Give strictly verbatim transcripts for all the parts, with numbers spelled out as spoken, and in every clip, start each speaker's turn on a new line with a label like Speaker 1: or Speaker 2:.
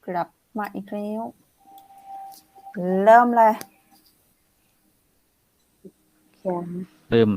Speaker 1: กลับมาอีกแล้วเริ่มเลย
Speaker 2: เขียน
Speaker 3: เริ่ม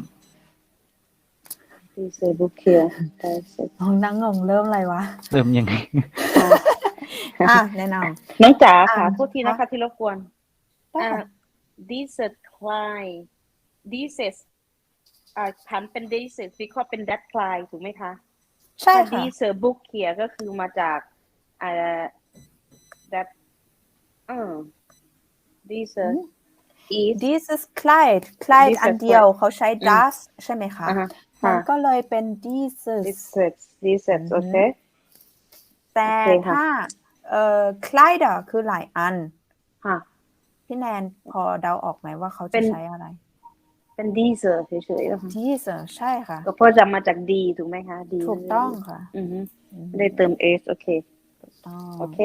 Speaker 2: ที่เซบุเคียได้เสร็จ
Speaker 1: น้องนั่งงงเริ่มอะไรวะ
Speaker 3: เริ่มยังไง
Speaker 1: อ่ะแนะน
Speaker 2: น้องจ๋า
Speaker 1: อ่า
Speaker 2: ค่ะโทษทีนะคะ
Speaker 1: ค่ะ
Speaker 2: ที่รบกวน
Speaker 1: ำได้
Speaker 2: อ่า
Speaker 1: ค่ะ
Speaker 2: dieses klein dieses อ่าผันเป็น dieses วิเคราะห์เป็น that klein ถูกไหมคะ
Speaker 1: ใช่
Speaker 2: ถ้า
Speaker 1: ค่ะ
Speaker 2: dieser Buch เขียก็คือมาจากอ่า that เออ dieser is
Speaker 1: dieses Kleid Kleid
Speaker 2: Dieses
Speaker 1: อันเดียว
Speaker 2: Kleid
Speaker 1: เขาใช้
Speaker 2: อืม
Speaker 1: das ใช่ไหมคะ
Speaker 2: อ่าฮะ
Speaker 1: มัน
Speaker 2: ค่ะ
Speaker 1: ก็เลยเป็น dieses
Speaker 2: dieses dieses โอเค
Speaker 1: แต่
Speaker 2: โอเคค่ะ
Speaker 1: ถ้าเอ่อ Kleider คือหลายอัน
Speaker 2: ค่ะ
Speaker 1: พี่แนนพอเดาออกไหมว่าเขา
Speaker 2: เป็
Speaker 1: จะ
Speaker 2: น
Speaker 1: ใช้อะไร
Speaker 2: เป็น dieser เฉยๆนะคะ
Speaker 1: dieses ใช่ค่ะ
Speaker 2: ก็เพราะจะมาจาก D ถูกไหมคะ D
Speaker 1: ถูกต้องค่ะ
Speaker 2: อือฮึ
Speaker 1: อืม
Speaker 2: ไม่ได้เติม s โอเค
Speaker 1: ถูกต้อง
Speaker 2: โอเค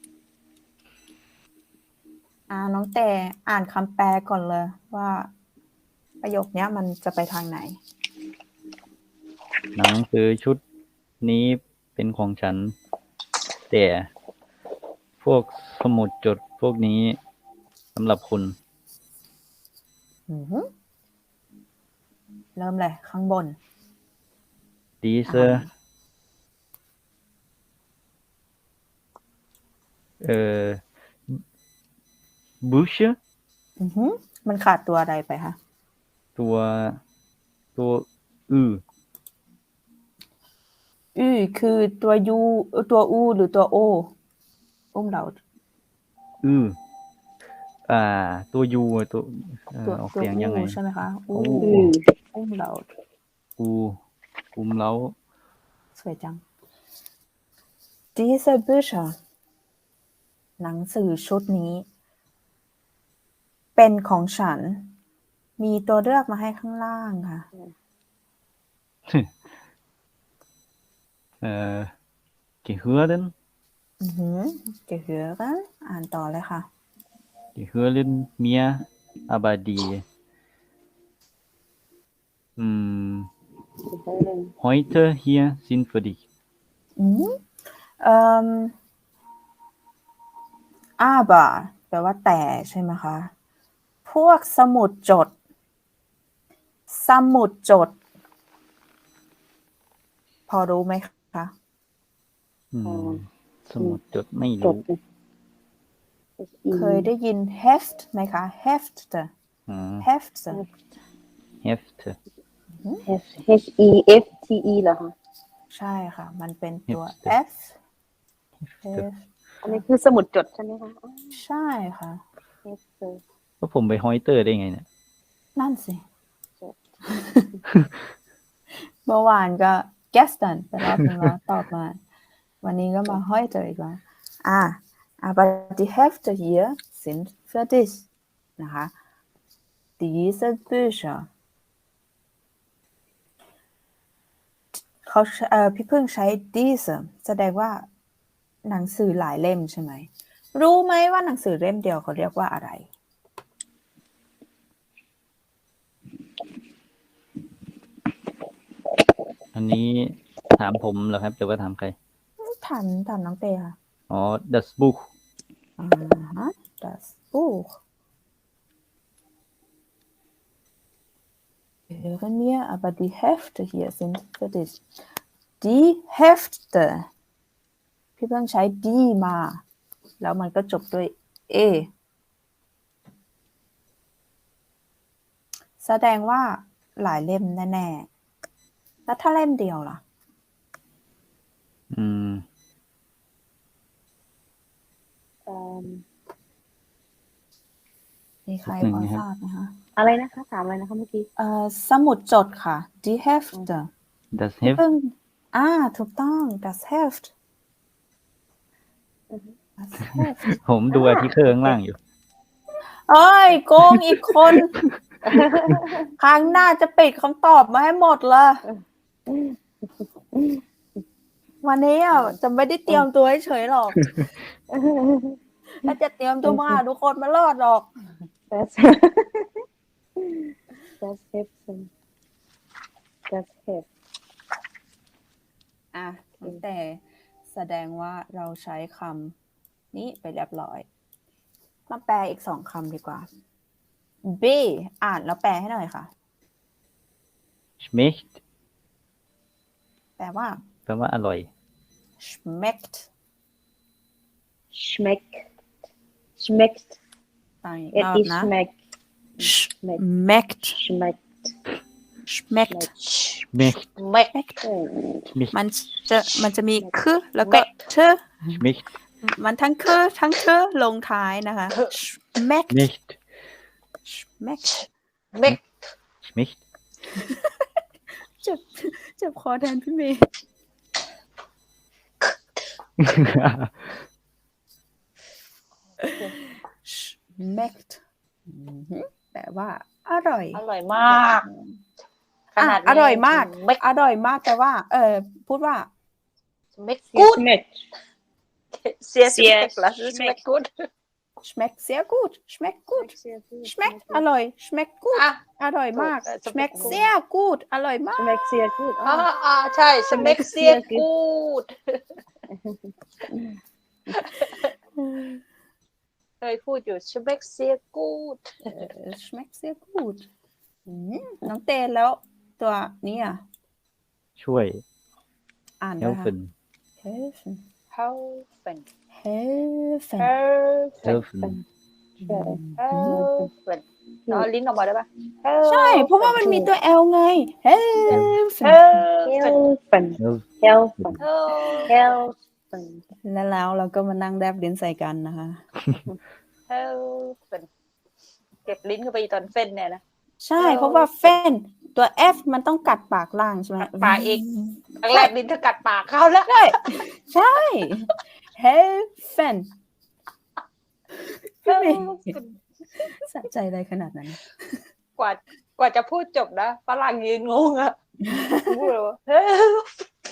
Speaker 1: อ่าน้องแต่อ่านคำแปลก่อนเลยว่า ประโยคเนี้ยมันจะไปทางไหน
Speaker 3: หนังสือชุดนี้เป็นของฉัน แต่พวกสมุดจดพวกนี้สำหรับคุณ
Speaker 1: อือหือเริ่มเลยข้างบน
Speaker 3: diese เอ่อ Bücher
Speaker 1: อือหือมันขาดตัวอะไรไปคะ
Speaker 3: ตัวตัวอือ
Speaker 1: อือคือตัวยูตัวอูหรือตัวโออุ้มเรา
Speaker 3: อืออ่า ตัวยูตัวเอ่อ
Speaker 1: ตัว
Speaker 3: ออก
Speaker 1: ตัว
Speaker 3: เสียงยังไง
Speaker 1: อูใช่ไหมคะอู
Speaker 3: อู้
Speaker 2: อืม
Speaker 1: อุ้มเรา
Speaker 3: อูอุมเล้า
Speaker 1: สวยจัง diese Bücher หนังสือชุดนี้ เป็นของฉัน มีตัวเลือกมาให้ข้างล่างค่ะ
Speaker 3: เอ่อ gehören
Speaker 1: อือหือ gehören อ่านต่อเลยค่ะ
Speaker 3: gehören mir aber die hm, heute hier sind für dich
Speaker 1: อืมเอ่อ aber แปลว่าแต่ใช่ไหมคะ พวกสมุดจด สมุดจด พอรู้ไหมคะ
Speaker 3: อืมสมุดจดไม่
Speaker 2: จ
Speaker 3: รู้
Speaker 2: ด
Speaker 1: เคยได้ยิน heft ไหมคะ heft
Speaker 3: อืม
Speaker 1: heft
Speaker 3: heft
Speaker 2: H H E F T E เหรอคะ
Speaker 1: ใช่ค่ะ มันเป็นตัว
Speaker 3: Heft
Speaker 1: f heft
Speaker 2: อันนี้คือสมุดจดใช่ไหมคะอ๋อ
Speaker 1: ใช่ค่ะ
Speaker 2: F
Speaker 3: ก็ผมไปฮอยเตอร์ได้ไงเนี่ย
Speaker 1: นั่นสิ
Speaker 2: จด
Speaker 1: เมื่อวานก็ gestern ไปรอบนึงแล้วตอบมา วันนี้ก็มา heute อีกแล้วอ่า aber die Hefte hier sind für dich นะคะ diese Bücher เขาเอ่อพี่พึ่งใช้ diese แสดงว่าหนังสือหลายเล่มใช่ไหม รู้ไหมว่าหนังสือเล่มเดียวเขาเรียกว่าอะไร
Speaker 3: อันนี้ถามผมเหรอครับหรือว่าถามใคร
Speaker 1: ถามถามน้องเตค่ะ
Speaker 3: อ๋อ das Buch
Speaker 1: อ่าฮะ das Buch gehören mir aber die Hefte hier sind für dich die Hefte พี่เพิ่งใช้ die มา แล้วมันก็จบด้วย a แสดงว่าหลายเล่มแน่ๆ แล้วถ้าเล่มเดียวล่ะ
Speaker 3: อืม
Speaker 2: เอิ่ม
Speaker 1: มีใคร
Speaker 3: หนึ่ง
Speaker 1: พอ
Speaker 3: นะค
Speaker 1: ท
Speaker 3: รับ
Speaker 1: ราบไหมคะ
Speaker 2: อะไรนะคะ ถามอะไรนะคะเมื่อกี้
Speaker 1: เอ่อสมุดจดค่ะ die Hefte
Speaker 3: das
Speaker 1: พี่
Speaker 3: Heft
Speaker 1: เพิ่งอ่าถูกต้อง das Heft
Speaker 2: อือฮึ
Speaker 1: das Heft
Speaker 3: ผมดูอาร์ติเคิลข้างล่างอยู่
Speaker 1: เอ้ยโกงอีกคน ครั้งหน้าจะปิดคำตอบมาให้หมดเลย วันนี้อ่ะจะไม่ได้เตรียมตัวเฉยๆหรอก ถ้าจะเตรียมตัวมาทุกคนมารอดหรอก
Speaker 2: Das das Heften das Heft
Speaker 1: อ่ะแต่แสดงว่าเราใช้คนี้ไปเรียบร้อยมาแปลอีกสองคำดีกว่า B อ่านแล้วแปลให้หน่อยค่ะ
Speaker 3: schmeckt
Speaker 1: แปลว่า
Speaker 3: แปลว่าอร่อย
Speaker 1: schmeckt
Speaker 2: schmeckt schmeckt
Speaker 1: ต่างอีก
Speaker 2: it
Speaker 1: รอบ
Speaker 2: is
Speaker 1: นะ
Speaker 2: schmeckt
Speaker 1: schmeckt
Speaker 2: schmeckt
Speaker 1: schmeckt
Speaker 3: schmeckt
Speaker 2: schmeckt
Speaker 3: schmeckt
Speaker 1: มันจะมันจะมีคือแล้วก็เธอ
Speaker 3: schmeckt
Speaker 1: มันทั้งคือทั้งเธอลงท้ายนะคะ schmeckt
Speaker 3: schmeckt
Speaker 1: schmeckt
Speaker 2: schmeckt
Speaker 3: schmeckt
Speaker 1: เจ็บเจ็บคอแทนพี่เมย์ schmeckt อือหือแปลว่า อร่อย
Speaker 2: อร่อยมาก ข
Speaker 1: อ่ะ
Speaker 2: นาดนี้
Speaker 1: อร่อยมาก
Speaker 2: schmeckt
Speaker 1: อร่อยมากแต่ว่า เออพูดว่า
Speaker 2: schmeckt gut
Speaker 4: Schmeckt.
Speaker 2: sehr
Speaker 4: Sehr
Speaker 2: schmeckt das ist schmeckt gut
Speaker 1: schmeckt sehr gut schmeckt gut
Speaker 2: sehr gut
Speaker 1: schmeckt อร่อย schmeckt gut
Speaker 2: อ่ะ
Speaker 1: อร่อยมาก
Speaker 2: เออ
Speaker 1: schmeckt
Speaker 2: schmeckt
Speaker 1: sehr gut อร่อยมาก
Speaker 2: schmeckt sehr gut
Speaker 4: อ่า
Speaker 2: อ่ะ
Speaker 4: อ่าใช่ schmeckt sehr gut เคยพูดอยู่ schmeckt sehr gut
Speaker 1: เออ schmeckt sehr gut อืมน้องเตนแล้วตัวนี้อ่ะ
Speaker 3: ช่วย
Speaker 1: อ่านด้วยค่ะ
Speaker 3: helfen
Speaker 1: helfen
Speaker 4: helfen
Speaker 1: helfen
Speaker 4: helfen
Speaker 3: helfen
Speaker 4: helfen เอาลิ้นออกมาได้ปะ
Speaker 1: ใช่ เพราะว่ามันมีตัว L ไง helfen
Speaker 4: helfen
Speaker 2: helfen
Speaker 4: helfen
Speaker 1: แล้วแล้วเราก็มานั่งแดบลิ้นใส่กันนะคะ
Speaker 4: helfen เก็บลิ้นเข้าไปตอนเฟ้นเนี่ยนะ
Speaker 1: ใช่ เพราะว่าเฟนตัว F มันต้องกัดปากล่างใช่ไหม
Speaker 4: กัดปากอีก ครั้งแรกลิ้นเธอกัดปากเขาแล้ว
Speaker 1: ใช่ ใช่ helfen พี่เมย์สะใจอะไรขนาดนั้น
Speaker 4: กว่ากว่าจะพูดจบนะฝรั่งยืนงงอะพูดเลยว่า help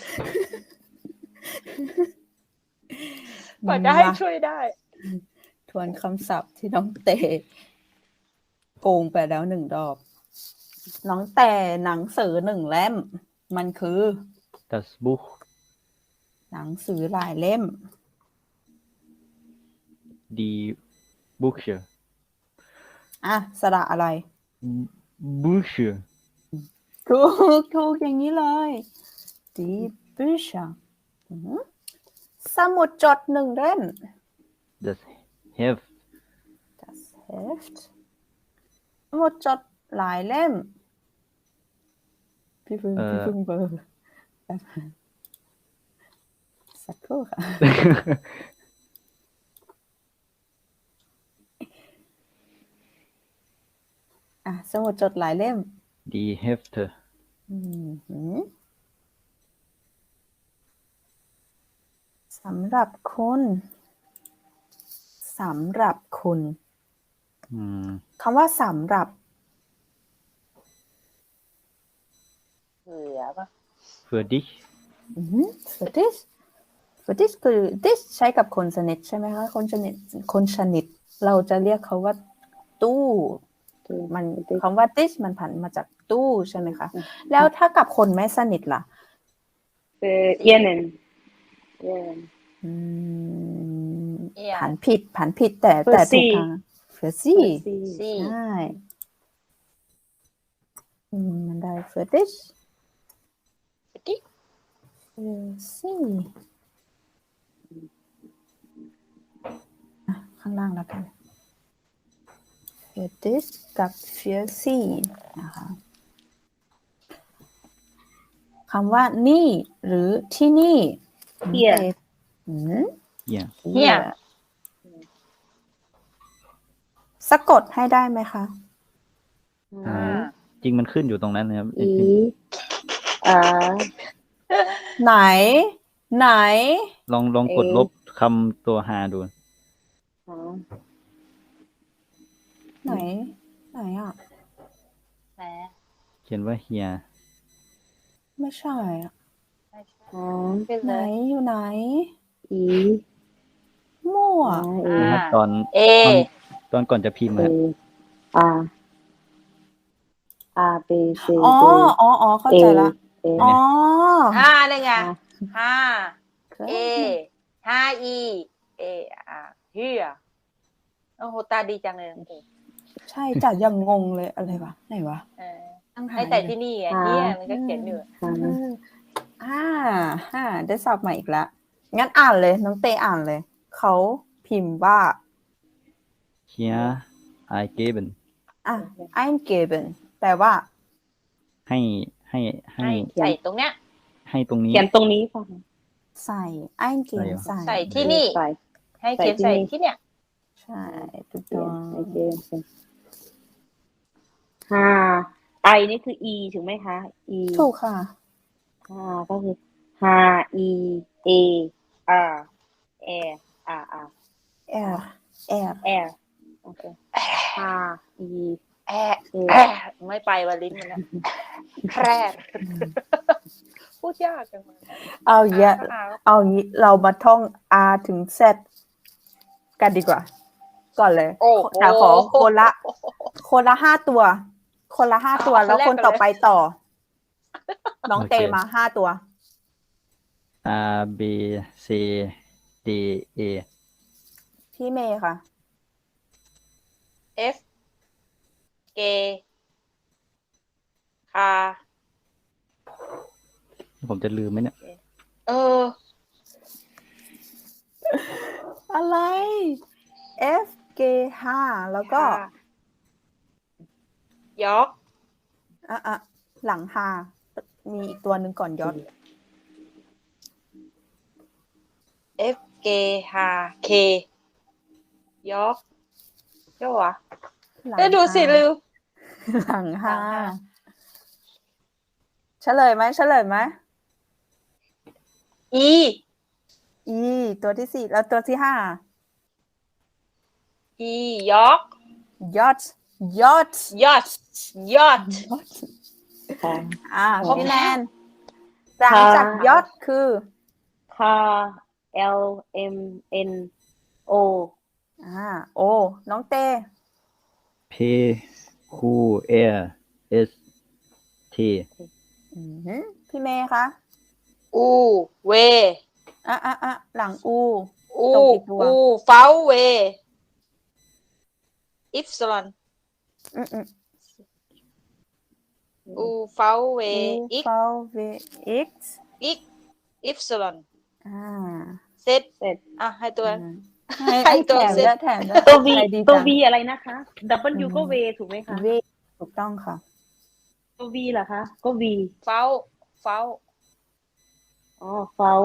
Speaker 4: กว่าจะให้ช่วยได้
Speaker 1: ทวนคำศัพท์ที่น้องเตโกงไปแล้วหนึ่งรอบ น้องแต่หนังสือหนึ่งเล่ม มันคือ
Speaker 3: das Buch
Speaker 1: หนังสือหลายเล่ม
Speaker 3: die Bücher
Speaker 1: อ่ะสระอะไร
Speaker 3: Bücher
Speaker 1: ถูกถูกอย่างนี้เลย die Bücher อือหือสมุดจดหนึ่งเล่ม
Speaker 3: das Heft
Speaker 1: das Heft สมุดจดหลายเล่ม พี่พึ่ง
Speaker 3: เอ่อ
Speaker 1: พี่พึ่งเบอร์แป๊บสักครู่ค่ะ อ่ะสมุดจดหลายเล่ม
Speaker 3: die Hefte
Speaker 1: อืมหือสำหรับคุณสำหรับคุณ
Speaker 3: อืม
Speaker 1: คำว่าสำหรับ
Speaker 4: เหลือปะ
Speaker 3: für dich
Speaker 1: อืม for this for this คือ this ใช้กับคนสนิทใช่ไหมคะ คนสนิทคนสนิทเราจะเรียกเขาว่าตู้มันคำว่า this มันผันมาจากตู้ใช่ไหมคะ แล้วถ้ากับคนไม่สนิทล่ะ
Speaker 2: für ihnen ihnen
Speaker 1: อืม
Speaker 4: เอีย
Speaker 1: ผันผิดผันผิดแต่
Speaker 2: For
Speaker 1: แต่ถูก
Speaker 2: sie
Speaker 1: ทาง for sie
Speaker 2: sie
Speaker 4: ซี่
Speaker 1: ใช่อืมมันได้ for this
Speaker 4: กิ๊ก
Speaker 1: for sie อ่ะข้างล่างแล้วกัน for this กับ for sie นะคะคำว่านี่หรือที่นี่
Speaker 2: Here
Speaker 1: อืม
Speaker 3: ja
Speaker 4: Here
Speaker 1: สะกดให้ได้ไหมคะ
Speaker 3: อ่า จริงมันขึ้นอยู่ตรงนั้นนะครับ
Speaker 2: i a
Speaker 1: ไหน ไหน
Speaker 3: ลองลองกด
Speaker 2: เอ่อ
Speaker 3: ลบคำตัวหาดู
Speaker 2: อ๋อ
Speaker 1: ไหน ไหนอ่ะ
Speaker 4: แหม
Speaker 3: เขียนว่า here
Speaker 1: ไม่ใช่อ่ะ
Speaker 4: ไม่ใช่
Speaker 2: อ๋อ
Speaker 4: ขึ้น
Speaker 1: ไห
Speaker 4: เล
Speaker 1: น
Speaker 4: ย
Speaker 1: อยู่ไหน
Speaker 2: i
Speaker 1: มั่ว
Speaker 2: a
Speaker 4: อ่า
Speaker 3: นะครับตอน
Speaker 4: เอ
Speaker 3: ตอนตอนก่อนจะพิมพ์
Speaker 2: a
Speaker 3: อะ
Speaker 2: a a b c
Speaker 1: อ๋อ
Speaker 2: d
Speaker 1: อ๋อ อ๋อ เข้าใจละ
Speaker 2: a
Speaker 1: อ๋อ
Speaker 4: ห้าได้ไง
Speaker 2: อ่า
Speaker 4: ห้า
Speaker 1: เคย
Speaker 4: เอห้าอีเออ่า here โอ้โหตาดีจังเลยน้องเต
Speaker 1: ใช่จัดยังงงเลยอะไรวะไหนวะ
Speaker 4: เออ
Speaker 1: ตั้งหา
Speaker 4: ให้แต่
Speaker 1: อยู่
Speaker 4: ที่นี่อ่ะ
Speaker 2: ค่ะ
Speaker 4: เนี่ยมันก็เขียนอยู่
Speaker 2: ค่ะ
Speaker 1: เอออ่าอ่าได้ศัพท์ใหม่อีกแล้วงั้นอ่านเลยน้องเตอ่านเลย เขาพิมพ์ว่า
Speaker 3: here I given
Speaker 1: อ่ะ I'm given แปลว่า
Speaker 3: ให้ให้ให้
Speaker 4: ให้ใส่ตรงเนี้ย
Speaker 3: ให้ตรงนี้
Speaker 2: เขียนตรงนี้ค่ะ
Speaker 1: ใส่ I'm
Speaker 3: ใส่
Speaker 1: given
Speaker 3: เหรอ
Speaker 1: ใส่
Speaker 4: ใส่ที่นี่
Speaker 2: ใส่
Speaker 4: ให้เขียนใส่ที่เนี่ย
Speaker 1: ใช่ถูก
Speaker 2: เขี
Speaker 1: ต้
Speaker 2: ย
Speaker 1: อน ง
Speaker 2: โอเคค่ะไอนี่คือ e ถูกไหมคะ e
Speaker 1: ถูกค่ะ
Speaker 2: ค่ะก็คือ h e a r air r r
Speaker 1: air air
Speaker 2: air โอเค h e
Speaker 4: แอะแอะไม่ไปวันลิ้นมันนะแพร่พูดยากจังเลย
Speaker 1: เอาเยอะ
Speaker 4: อ่า
Speaker 1: เอางี้เรามาท่อง R ถึง Z กันดีกว่า ก่อนเลย
Speaker 4: โอ้โห
Speaker 1: แต่ขอคนละ คนละห้าตัว คนละห้าตัว
Speaker 4: เอา
Speaker 1: แล้ว
Speaker 4: คนแรก
Speaker 1: คนต่อ
Speaker 4: ก่อนเลย
Speaker 1: ไปต่อ น้อง
Speaker 3: โอเค
Speaker 1: เตมาห้าตัว
Speaker 3: R B C D A
Speaker 1: พี่เมย์ค่ะ
Speaker 4: F K คา
Speaker 3: ผมจะลืมไหมเนี่ย
Speaker 4: เออ
Speaker 1: อะไร F G ห้าแล้วก็
Speaker 4: ยอก
Speaker 1: อ่ะอ่ะหลังห้ามีอีกตัวหนึ่งก่อนยอด
Speaker 4: F K ฮา K ยอกใช่ปะวะ
Speaker 1: หลัง
Speaker 4: เอ้ยดูสิ
Speaker 1: ห้า
Speaker 4: ลืม
Speaker 1: หลังห้า
Speaker 4: หลังห้า
Speaker 1: เฉลยไหมเฉลยไหม
Speaker 4: E
Speaker 1: E ตัวที่สี่แล้วตัวที่ห้า
Speaker 4: E ยอก
Speaker 1: ยอดยอด
Speaker 4: ยอดยอด
Speaker 1: ยอด
Speaker 2: ค่ะ
Speaker 1: อ่า
Speaker 2: ครบ
Speaker 1: พี่แนนหลังจากยอดคือ
Speaker 2: ค่ะ L M N O
Speaker 1: อ่าโอน้องเต
Speaker 3: P Q R S T
Speaker 1: อือหือพี่เมย์คะ
Speaker 4: อูเว
Speaker 1: อ่ะอ่ะอ่ะหลังอู
Speaker 4: อู
Speaker 1: ตรงกี่ตัว
Speaker 4: อูเฟาเวอิฟซลอน
Speaker 1: อืมอืม
Speaker 4: อูเฟาเว
Speaker 1: อู
Speaker 4: อิก
Speaker 1: เฟลเวอิก
Speaker 4: อิกอิฟซลอน
Speaker 1: อ่า
Speaker 4: เซต
Speaker 2: เสร็จ
Speaker 4: อ่ะให้ตัว
Speaker 1: อืมให้
Speaker 4: ให้
Speaker 1: ให้
Speaker 4: ตัว
Speaker 1: แถม
Speaker 4: เซ็ต
Speaker 1: ด้วยแถมด้วย
Speaker 2: ตัว V
Speaker 1: ใจดี
Speaker 2: ตัว
Speaker 1: จัง
Speaker 2: V อะไรนะคะ W ก็ V ถูกไหมคะ
Speaker 1: เวถูกต้องค่ะ
Speaker 2: ตัว V เหรอคะ ก็ V
Speaker 4: เฟาเฟา
Speaker 2: อ๋อ foul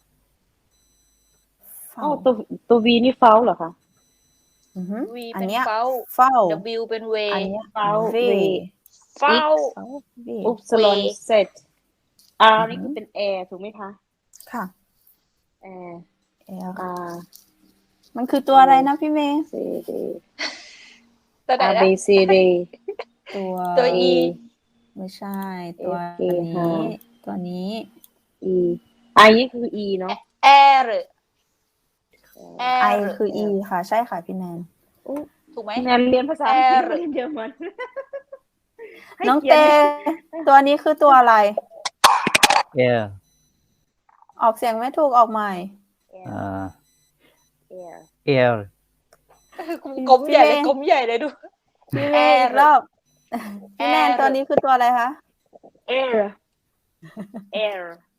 Speaker 1: เฝ้า
Speaker 2: อ๋อตัวตัว V นี่ foul เหรอคะ
Speaker 1: อือหือ
Speaker 4: วี
Speaker 1: อัน
Speaker 4: เป็น
Speaker 1: เนี้ย
Speaker 4: เฟา
Speaker 1: เฝ้า
Speaker 4: W เป็นเว
Speaker 1: อันเนี้ย
Speaker 2: foul
Speaker 1: เว
Speaker 2: V
Speaker 4: เฟา
Speaker 1: เฝ้าเว
Speaker 2: upsilon
Speaker 4: V
Speaker 2: set R
Speaker 1: อือฮึ
Speaker 2: นี่คือเป็น air ถูกไหมคะ
Speaker 1: ค่ะ
Speaker 2: air
Speaker 1: L
Speaker 2: R
Speaker 1: มันคือตัวอะไรนะพี่เมย์
Speaker 2: C D
Speaker 4: ตัวไหน
Speaker 2: R
Speaker 4: นะ
Speaker 2: B C D
Speaker 1: ตัว
Speaker 4: ตัว E
Speaker 1: ไม่ใช่ ตัว
Speaker 2: F K
Speaker 1: นี้
Speaker 2: ค่ะ
Speaker 1: ตัวนี้
Speaker 2: E I นี่คือ E เนาะ
Speaker 4: แอร์ แอ
Speaker 1: I
Speaker 4: ร์
Speaker 1: คือ E ค่ะ ใช่ค่ะพี่แนน
Speaker 4: ถูกไหม
Speaker 2: แนนเรียนภาษาอังกฤษ
Speaker 4: Air
Speaker 2: เรียนเยอรมันให้
Speaker 1: น้อง
Speaker 2: ขีย
Speaker 1: เต ตัวนี้คือตัวอะไร
Speaker 3: Air
Speaker 1: ออกเสียงไม่ถูกออกใหม่
Speaker 3: อ่า
Speaker 2: air
Speaker 3: Air
Speaker 4: กลมใหญ่เลย
Speaker 1: พี่เมย์
Speaker 4: กลมใหญ่เลยดู
Speaker 1: พี่เมย์อีกรอบพี่แนน
Speaker 4: Air
Speaker 1: ตัวนี้คือตัวอะไรคะ
Speaker 2: air air